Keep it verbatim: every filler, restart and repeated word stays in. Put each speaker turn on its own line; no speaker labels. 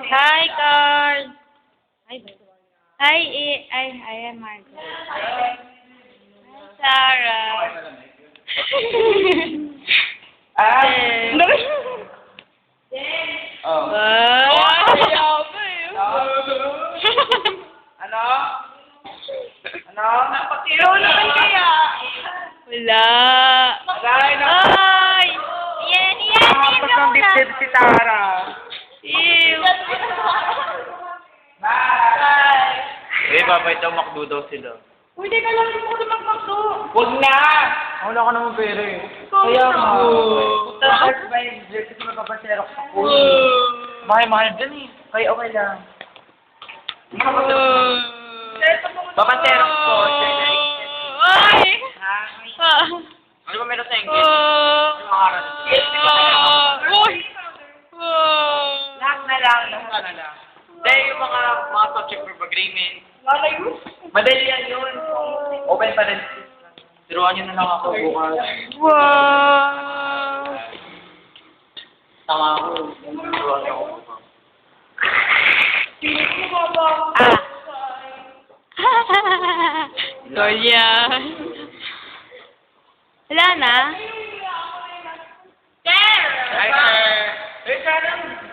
Hi, Carl. Hi, Hi, I, I, I am Margaret. Hi, Sarah.
Ah!
Oh.
Oh! Ano? Ano?
Ikaw naman kaya. Wala.
Alay na.
Ay! Yan, yan,
Tapos ng dibdib si Tara.
Ew.
Bye!
Eh, babay daw, makdo daw sila.
Pwede ka lang mo ko magpakto.
Huwag na!
Wala ka naman pera eh.
Kaya nga. Tapos ba yung dibdib kasi magpapaserok sa pool.
Mahal-mahal dyan eh.
Kaya okay lang.
Papaserok po.
Ay! Ah.
Ano ba meron sa
Oh.
English? Ano mga aral?
Oh. Uy! Oh.
Lahat na lang.
Lahat na lang. Dahil yung mga mga subject verb agreement.
Madali yan yun. Open pa rin.
Tiruan nyo na lang ako bukas.
Wow!
Tama ako. Tiruan nyo ako bukas.
Ah! Kolya. Wala na?
Hi, sir.
Eh, Sarah.